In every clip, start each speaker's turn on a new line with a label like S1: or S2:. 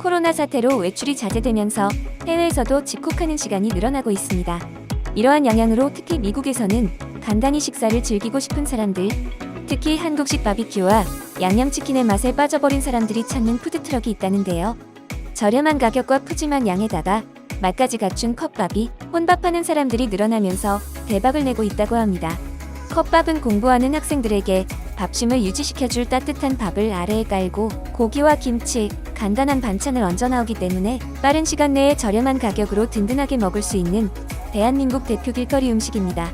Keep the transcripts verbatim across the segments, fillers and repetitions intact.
S1: 코로나 사태로 외출이 자제되면서 해외에서도 집콕하는 시간이 늘어나고 있습니다. 이러한 영향으로 특히 미국에서는 간단히 식사를 즐기고 싶은 사람들, 특히 한국식 바비큐와 양념치킨의 맛에 빠져버린 사람들이 찾는 푸드트럭이 있다는데요. 저렴한 가격과 푸짐한 양에다가 맛까지 갖춘 컵밥이 혼밥하는 사람들이 늘어나면서 대박을 내고 있다고 합니다. 컵밥은 공부하는 학생들에게 밥심을 유지시켜줄 따뜻한 밥을 아래에 깔고 고기와 김치, 간단한 반찬을 얹어 나오기 때문에 빠른 시간 내에 저렴한 가격으로 든든하게 먹을 수 있는 대한민국 대표 길거리 음식입니다.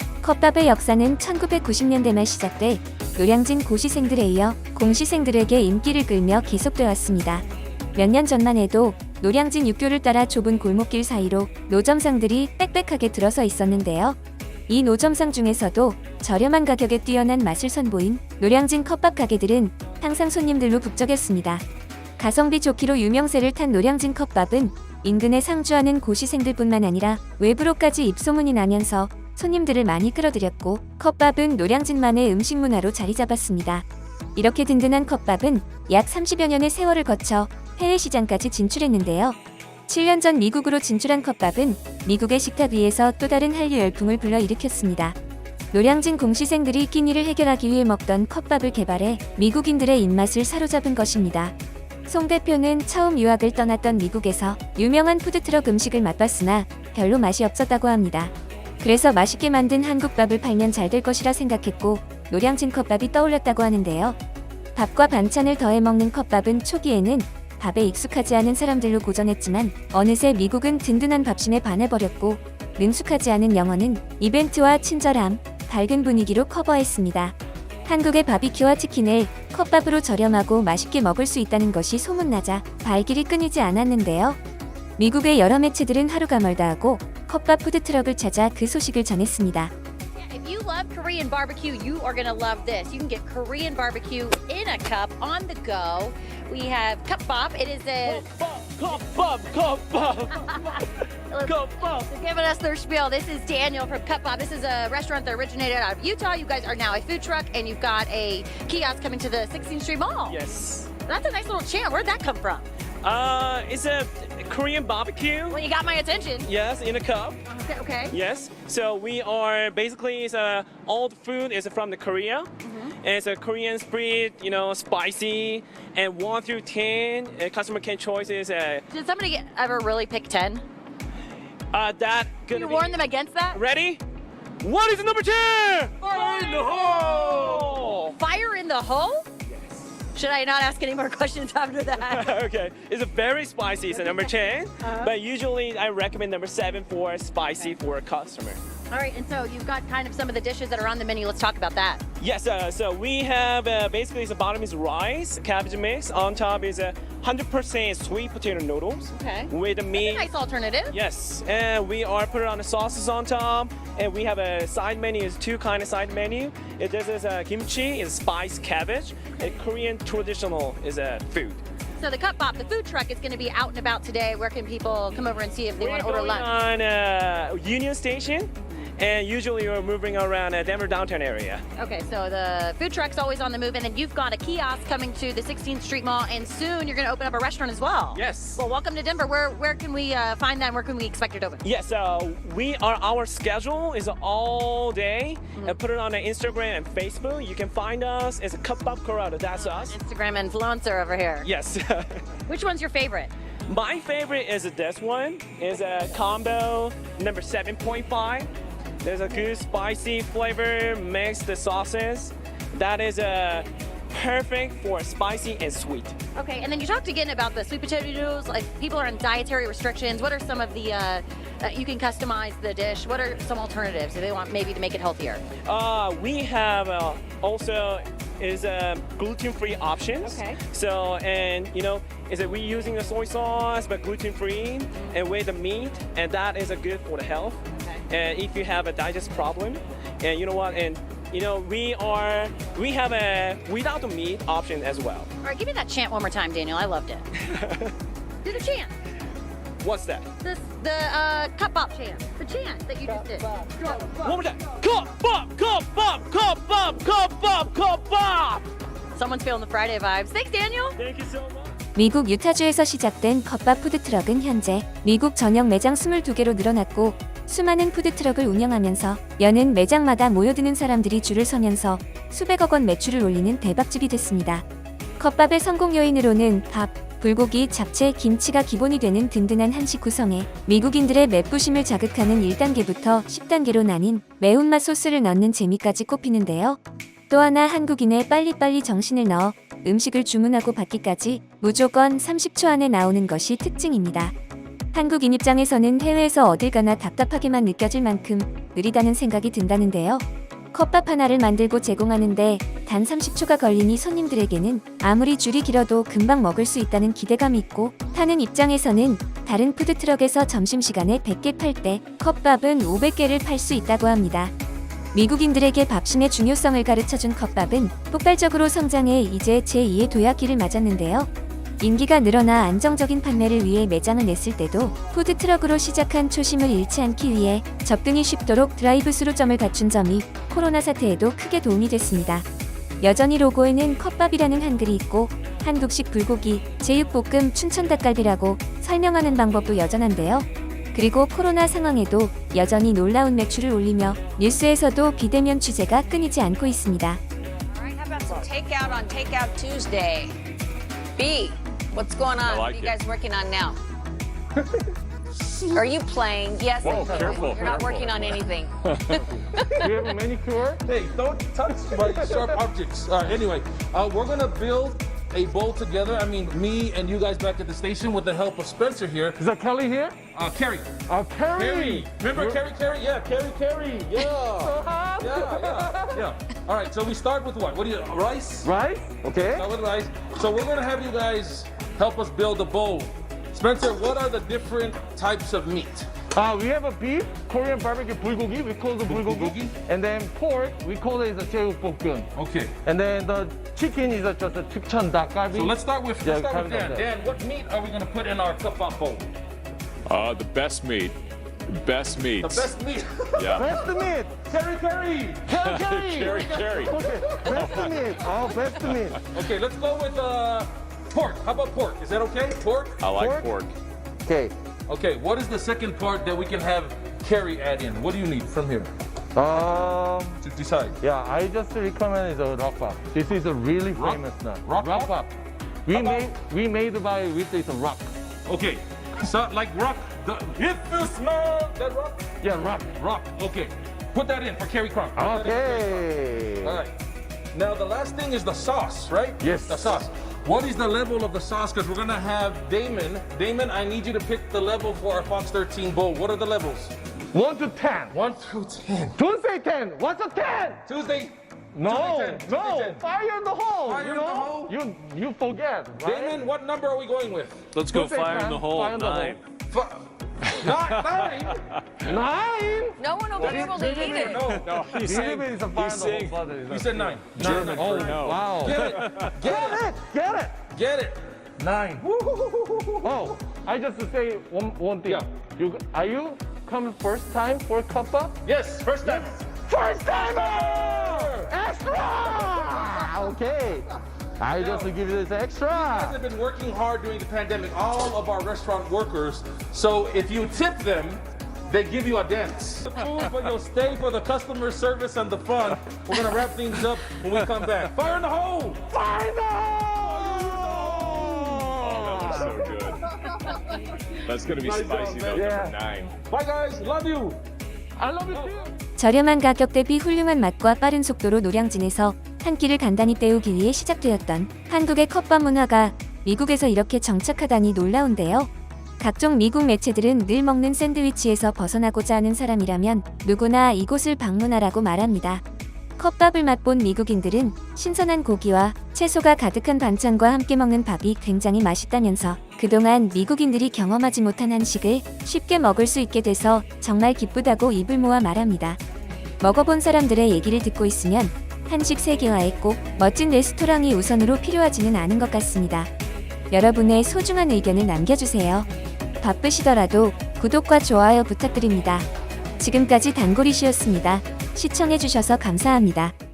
S1: 컵밥의 역사는 천구백구십 년대 말 시작돼 노량진 고시생들에 이어 공시생들에게 인기를 끌며 계속되어 왔습니다. 몇 년 전만 해도 노량진 육교를 따라 좁은 골목길 사이로 노점상들이 빽빽하게 들어서 있었는데요. 이 노점상 중에서도 저렴한 가격에 뛰어난 맛을 선보인 노량진 컵밥 가게들은 항상 손님들로 북적였습니다. 가성비 좋기로 유명세를 탄 노량진 컵밥은 인근에 상주하는 고시생들뿐만 아니라 외부로까지 입소문이 나면서 손님들을 많이 끌어들였고 컵밥은 노량진만의 음식 문화로 자리 잡았습니다. 이렇게 든든한 컵밥은 약 삼십여 년의 세월을 거쳐 해외 시장까지 진출했는데요. 칠 년 전 미국으로 진출한 컵밥은 미국의 식탁 위에서 또 다른 한류 열풍을 불러일으켰습니다. 노량진 공시생들이 끼니를 해결하기 위해 먹던 컵밥을 개발해 미국인들의 입맛을 사로잡은 것입니다. 송 대표는 처음 유학을 떠났던 미국에서 유명한 푸드트럭 음식을 맛봤으나 별로 맛이 없었다고 합니다. 그래서 맛있게 만든 한국밥을 팔면 잘 될 것이라 생각했고 노량진 컵밥이 떠올랐다고 하는데요. 밥과 반찬을 더해 먹는 컵밥은 초기에는 밥에 익숙하지 않은 사람들로 고전했지만 어느새 미국은 든든한 밥심에 반해버렸고 능숙하지 않은 영어는 이벤트와 친절함, 밝은 분위기로 커버했습니다. 한국의 바비큐와 치킨을 컵밥으로 저렴하고 맛있게 먹을 수 있다는 것이 소문나자 발길이 끊이지 않았는데요. 미국의 여러 매체들은 하루가 멀다 하고 컵밥 푸드트럭을 찾아 그 소식을 전했습니다.
S2: If you love Korean barbecue, you are going to love this. You can get Korean barbecue in a cup on the go. We have cup bop. It is a
S3: Cup Bop, Cup Bop, Cup Bop.
S2: So giving us their spiel. This is Daniel from Cup Bop. This is a restaurant that originated out of Utah. You guys are now a food truck, and you've got a kiosk coming to the sixteenth Street Mall.
S3: Yes.
S2: That's a nice little chant. Where'd that come from?
S3: Uh, it's a Korean barbecue.
S2: Well, you got my attention.
S3: Yes, in a cup.
S2: Okay. okay.
S3: Yes. So we are basically it's a all the food is from the Korea. And it's a Korean spread, you know, spicy. And one through ten, uh, customer can choice is uh,
S2: Did somebody get, ever really pick ten?
S3: uh that
S2: Can
S3: gonna
S2: you
S3: be
S2: warn them against that?
S3: ready. What is the number ten? Fire in the hole.
S2: Fire in the hole? Should I not ask any more questions after that?
S3: Okay, it's a very spicy. It's a number ten, but usually I recommend number seven for spicy for a customer.
S2: All right, and so you've got kind of some of the dishes that are on the menu. Let's talk about that.
S3: Yes, uh, so we have uh, basically the bottom is rice, cabbage mix. On top is a hundred percent sweet potato noodles
S2: Okay.
S3: with the meat.
S2: Nice alternative.
S3: Yes, and we are put on the sauces on top, and we have a side menu. Is two kind of side menu. It this is a kimchi, is spiced cabbage, and Korean traditional is a food.
S2: So the Cup Bop, the food truck, is going to be out and about today. Where can people come over and see if they
S3: We're
S2: want to order
S3: going
S2: lunch?
S3: on uh, Union Station, and usually we're moving around uh, Denver downtown area.
S2: Okay, so the food truck's always on the move, and then you've got a kiosk coming to the sixteenth Street Mall, and soon you're going to open up a restaurant as well.
S3: Yes.
S2: Well, welcome to Denver. Where where can we uh, find that, and where can we expect it to open?
S3: Yes, uh, we are. Our schedule is all day. And put it on the Instagram and Facebook. You can find us as a Cup Up Corrado. That's us.
S2: Instagram influencer over here.
S3: Yes.
S2: Which one's your favorite?
S3: My favorite is this one. Is a combo number seven point five. There's a good spicy flavor mix the sauces. That is a perfect for spicy and sweet.
S2: Okay, and then you talked again about the sweet potato noodles. Like people are on dietary restrictions. What are some of the? Uh, uh, you can customize the dish. What are some alternatives if they want maybe to make it healthier?
S3: Uh, we have uh, also is uh, gluten-free options.
S2: Okay.
S3: So and you know is that we using the soy sauce but gluten-free and with the meat, and that is a good for the health.
S2: Okay.
S3: And if you have a digest problem, and you know what, and you know we are we have a without the meat option as well.
S2: All right, give me that chant one more time, Daniel. I loved it. Do the chant.
S3: What's that?
S2: This the uh, Cup Bop chant. The chant that you just did.
S3: One more time. Cup Bop, Cup Bop, Cup Bop, Cup Bop, Cup Bop.
S2: Someone's feeling the Friday vibes. Thanks, Daniel.
S3: Thank you so much.
S1: 미국 유타주에서 시작된 컵밥 푸드트럭은 현재 미국 전역 매장 이십이 개로 늘어났고 수많은 푸드트럭을 운영하면서 여는 매장마다 모여드는 사람들이 줄을 서면서 수백억 원 매출을 올리는 대박집이 됐습니다. 컵밥의 성공 요인으로는 밥, 불고기, 잡채, 김치가 기본이 되는 든든한 한식 구성에 미국인들의 맵부심을 자극하는 일 단계부터 십 단계로 나뉜 매운맛 소스를 넣는 재미까지 꼽히는데요. 또 하나 한국인의 빨리빨리 정신을 넣어 음식을 주문하고 받기까지 무조건 삼십 초 안에 나오는 것이 특징입니다. 한국인 입장에서는 해외에서 어딜 가나 답답하게만 느껴질 만큼 느리다는 생각이 든다는데요. 컵밥 하나를 만들고 제공하는데 단 삼십 초가 걸리니 손님들에게는 아무리 줄이 길어도 금방 먹을 수 있다는 기대감이 있고, 타는 입장에서는 다른 푸드트럭에서 점심시간에 백 개 팔 때 컵밥은 오백 개를 팔 수 있다고 합니다. 미국인들에게 밥심의 중요성을 가르쳐준 컵밥은 폭발적으로 성장해 이제 제이의 도약기를 맞았는데요. 인기가 늘어나 안정적인 판매를 위해 매장을 냈을 때도 푸드트럭으로 시작한 초심을 잃지 않기 위해 접근이 쉽도록 드라이브스루점을 갖춘 점이 코로나 사태에도 크게 도움이 됐습니다. 여전히 로고에는 컵밥이라는 한글이 있고 한국식 불고기, 제육볶음, 춘천닭갈비라고 설명하는 방법도 여전한데요. 그리고 코로나 상황에도 여전히 놀라운 매출을 올리며 뉴스에서도 비대면 취재가 끊이지 않고 있습니다.
S4: Alright, how about some takeout on Takeout Tuesday? B, what's going on?
S5: I like
S4: what are you
S5: it.
S4: guys working on now? Are you playing? Yes,
S5: Whoa,
S4: I'm playing.
S5: careful,
S4: You're not
S5: careful.
S4: working on anything.
S6: Do you have a manicure?
S7: Hey, don't touch my sharp objects. All right, anyway, uh, we're gonna build a bowl together. I mean, me and you guys back at the station with the help of Spencer here.
S6: Is that Kelly here?
S7: Uh, Carrie.
S6: Uh, Carrie.
S7: Carrie. Remember Carrie, Carrie? Yeah, Carrie, Carrie. Yeah. yeah, yeah, yeah. All right, so we start with what? What do you, rice?
S6: Right? Okay.
S7: Start with rice. So we're gonna have you guys help us build a bowl. Spencer, what are the different types of meat?
S6: Uh, we have a beef, Korean barbecue bulgogi, we call it bulgogi.
S7: Bulgogi.
S6: And then pork, we call it the 제육볶음.
S7: Okay.
S6: And then the chicken is just a Tukcheon 닭갈비.
S7: So let's start with,
S6: Yeah,
S7: let's start with
S6: kind
S7: Dan.
S6: of
S7: Dan, what meat are we gonna put in our cup bowl?
S5: Uh, the best meat. Best
S7: The
S5: meats.
S7: best meat.
S5: Yeah.
S6: Best meat!
S7: Carrie, Carrie.
S6: Carrie, Carrie!
S5: Carrie, Carrie.
S6: Okay, best meat. Oh, best meat.
S7: Okay, let's go with uh, pork. How about pork? Is that okay? Pork?
S5: I like
S6: Pork?
S5: pork.
S6: Okay.
S7: Okay, what is the second part that we can have Carrie add in? What do you need from here
S6: Um,
S7: to decide?
S6: yeah, I just recommend the rock pop. This is a really
S7: Rock-
S6: famous nut.
S7: rock pop?
S6: pop. We
S7: How about-
S6: made we made by with this rock.
S7: Okay, so like rock. The, if you smell that rock,
S6: Yeah, rock.
S7: rock. Okay, put that in for Carrie Cronk. Put that in for Carrie Cronk. All
S6: Okay.
S7: right. Now the last thing is the sauce, right?
S6: Yes.
S7: The sauce. What is the level of the sauce? Because we're gonna have Damon. Damon, I need you to pick the level for our Fox thirteen bowl. What are the levels?
S6: One to ten.
S7: One through ten.
S6: Don't say ten. What's a ten?
S7: Tuesday.
S6: No,
S7: Tuesday ten.
S6: no.
S7: Tuesday ten.
S6: Fire in the hole.
S7: Fire
S6: you
S7: in the
S6: know?
S7: hole?
S6: You you forget. Right?
S7: Damon, what number are we going with?
S5: Let's go
S6: Don't say
S5: fire in
S6: ten,
S5: the hole.
S6: fire in the hole.
S5: Nine.
S7: F- Nine. Nine.
S6: Nine.
S4: No one will be able to eat it.
S7: No.
S5: No, he's saying,
S6: Believe it is a fire
S5: he's
S6: in the
S5: saying,
S6: hole, brother.
S7: You said nine.
S5: German
S7: Nine.
S5: for no.
S6: Wow.
S7: Get it. Get
S6: Get
S7: it.
S6: it. Get it.
S7: Get it. Nine.
S6: Oh, I just say one one thing.
S7: Yeah.
S6: You are you come first time for Kappa?
S7: Yes. First time.
S6: First timer! Extra! Okay. I just give you this
S7: guys
S6: extra.
S7: have been working hard during the pandemic, all of our restaurant workers. So if you tip them, they give you a dance. The food, but you'll stay for the customer service and the fun. We're gonna wrap things up when we come back. Fire in the hole!
S6: Fire in the
S5: Oh, that was so
S6: hole!
S5: good. That's gonna be
S7: Nice
S5: spicy
S7: job,
S5: though.
S6: man.
S5: Number nine.
S7: Bye guys, love you.
S6: I love you too.
S1: 저렴한 가격 대비 훌륭한 맛과 빠른 속도로 노량진에서 한 끼를 간단히 때우기 위해 시작되었던 한국의 컵밥 문화가 미국에서 이렇게 정착하다니 놀라운데요. 각종 미국 매체들은 늘 먹는 샌드위치에서 벗어나고자 하는 사람이라면 누구나 이곳을 방문하라고 말합니다. 컵밥을 맛본 미국인들은 신선한 고기와 채소가 가득한 반찬과 함께 먹는 밥이 굉장히 맛있다면서 그동안 미국인들이 경험하지 못한 한식을 쉽게 먹을 수 있게 돼서 정말 기쁘다고 입을 모아 말합니다. 먹어본 사람들의 얘기를 듣고 있으면 한식 세계화에 꼭 멋진 레스토랑이 우선으로 필요하지는 않은 것 같습니다. 여러분의 소중한 의견을 남겨주세요. 바쁘시더라도 구독과 좋아요 부탁드립니다. 지금까지 단골이시였습니다. 시청해주셔서 감사합니다.